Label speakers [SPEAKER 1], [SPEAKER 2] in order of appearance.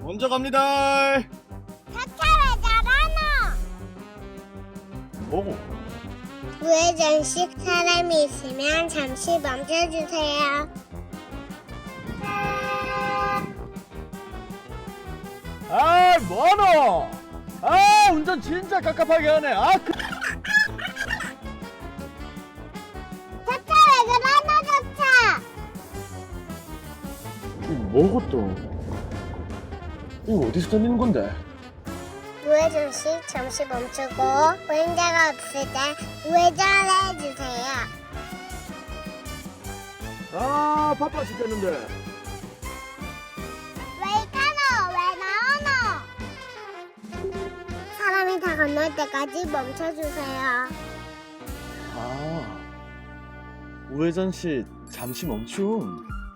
[SPEAKER 1] 먼저 갑니다.
[SPEAKER 2] 차차 왜 잘하노?
[SPEAKER 1] 뭐고?
[SPEAKER 2] 우회전식 사람이 있으면 잠시 멈춰주세요.
[SPEAKER 1] 아, 뭐하노? 아, 운전 진짜 깝깝하게 하네.
[SPEAKER 2] 차차 왜 그러노 차차?
[SPEAKER 1] 뭐고 또? 이거 어디서 다니는 건데?
[SPEAKER 2] 우회전식 잠시 멈추고 보행자가 없을 때 우회전해주세요.
[SPEAKER 1] 아, 바빠 죽겠는데.
[SPEAKER 2] 왜 가노? 왜 나오노? 사람이 다 건널 때까지 멈춰주세요.
[SPEAKER 1] 아, 우회전 시 잠시 멈춤.